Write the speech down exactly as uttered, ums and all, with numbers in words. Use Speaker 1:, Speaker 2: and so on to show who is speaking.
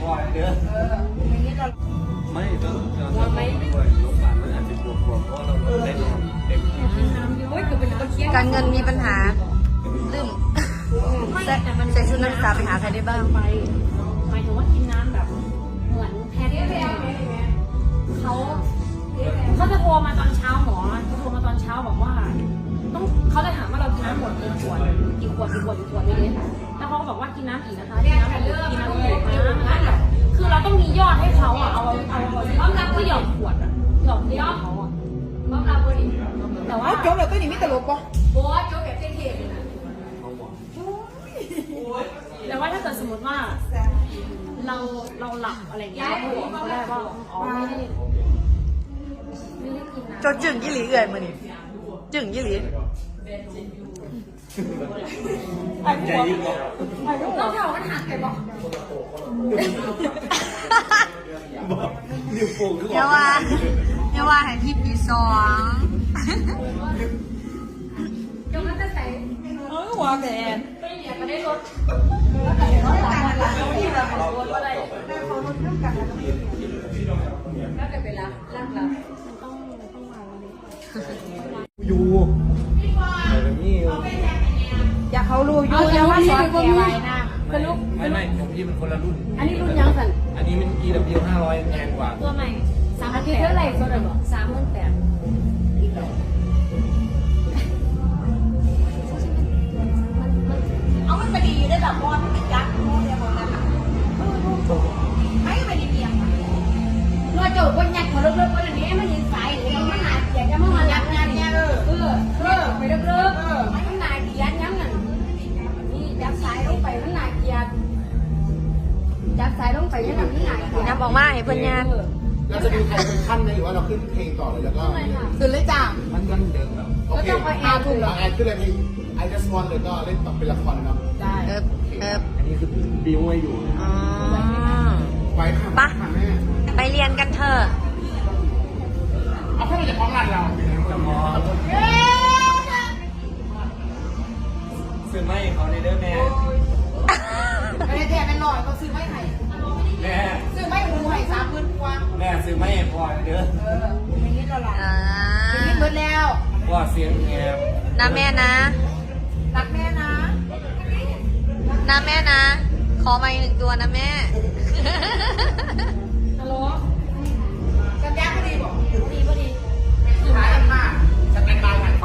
Speaker 1: พอเด้อเอออย่างนี้เราไม่ก็เราไม่ด้วยโรงพยาบาลมันอาจจะบวกบวกเพราะเราได้นอนเต็มที่
Speaker 2: การเงินมีปัญหาลืมใส่ใส่ชุดนักศึกษาไปหาใครได้บ้าง
Speaker 3: ไปหมายถึงว่ากินน้ำแบบเหมือนแพทย์เขาเขาจะโทรมาตอนเช้าหมอเขาโทรมาตอนเช้าบอกว่าต้องเขาจะถามว่าเรากินน้ำหมดกี่ขวดกี่ขวดกี่ขวดกี่ขวดไม่เล่นแล้วเขาก็บอกว่ากินน้ำอีกนะคะกินน้ำอีกกินน้ำอีกนะคือเราต้องมียอดให้เขาอ่ะเอาเอาเอาเอาก็หยอดขวดอ่ะหยอดยอดเขาอ่ะแต่ว่า
Speaker 4: โจ๊กแบบตัวนี้มีตลกปะ
Speaker 3: โบ๊ทโจ๊กแบบเท่ๆนะแต่ว่าถ้าเกิดสมมติว่าเราเราหลับอะไรอย่างเงี้ยเราบอกเขาได้ว่าอ๋อไม่ได้ไม่ได้กินนะ
Speaker 2: จนจึงยี่หลีเอื่อยมือนี่จึงยี่หลี
Speaker 1: ใจยิ่งหรอ
Speaker 3: ต้องเท่ากันหักไปบอก
Speaker 1: นิ้วโป้งคือ
Speaker 2: เยาว่าเยาว่าให้พี่ปีสอง
Speaker 3: ยกนั้นจะใส่
Speaker 4: เออหัวแดน
Speaker 3: ไม่เหลียก็ได้ลดแล้วแต่รถหลังหลังเขาที่แบบรถอะไรเขาลดเรื่องกันแล้วก็เป็นเวลาล่างแล้วมันต้องต้องวางวันนี้
Speaker 1: อยู่อะไรนี่
Speaker 4: อยากเขารู้อยู่อย่าว่าสอนแกไว้นะ
Speaker 3: สรุป
Speaker 1: ไม่ไม่ของพี่มันคนละรุ่น
Speaker 3: อันนี้รุ่นยังสัน
Speaker 1: อันนี้มัน อี ดับเบิลยู ห้าร้อยแพงกว่า
Speaker 3: ตัวใหม่สามอาทิตย์เท่าไหร่โซดาบอกสามหมื่นแปด
Speaker 4: เอามันไปดีได้แบบบอลมันติดยักษ์โม่เนี่ยบอลนั่นไม่ไปดีเพียง
Speaker 3: นวดจูบคนยักษ์หัวเลิกๆคนนี้มันยิงสายหรือมันหนาเกียร์จะมาหันยักษ์ยักษ์เนี่ยเออเออเออไปเลิกๆเออมันหนาเกียร์ยังนั่นนี่ยักษ์สายลงไปมันหนาเกียร์ยักษ์สายลงไปยังนั่นมันหนาเกียร์
Speaker 2: น้ำบอกมาให้เพื่อนยาน
Speaker 5: เราจะดูใครเป็นขั้นไหมหรือว่าเราขึ้นเพลงต่อเลยแล้วก็
Speaker 4: คือเลยจ้า
Speaker 1: มันมันเดิมแบบ
Speaker 5: โอเคอาถูกแล้วแอนขึ้นเลยเพลง I just want เลยก็เล่นแบบเป็นละครเนาะ
Speaker 4: ได้
Speaker 2: เอิบเอิบ
Speaker 1: อันนี้คือบิวไว้อยู่
Speaker 2: อ๋อ
Speaker 5: ไว้ค่ะ
Speaker 2: ปะ
Speaker 5: ค่ะแม่
Speaker 2: ไปเรียนกันเถอะ
Speaker 5: เอาแค่เราจะพ้องงานเรา
Speaker 1: จะมองซื้อไม่เขาในเด้อแม่
Speaker 4: ไม่ได้แทนเป็นหน่อยเขาซื้อไม่ให้
Speaker 1: แม่
Speaker 4: ซื้อไม่หูให้สามหมื่นกว่า
Speaker 1: แม่ซื้อไม่พอเด้อ
Speaker 4: เอออย่างนี้เราหลับ
Speaker 2: อ่า
Speaker 4: อย่างนี้เบิดแล้ว
Speaker 1: ว่าเสียงแงบ
Speaker 2: นะแม่นะ
Speaker 4: รักแม่นะ
Speaker 2: นะแม่นะ ขอมาอีกหนึ่งตัวนะแม่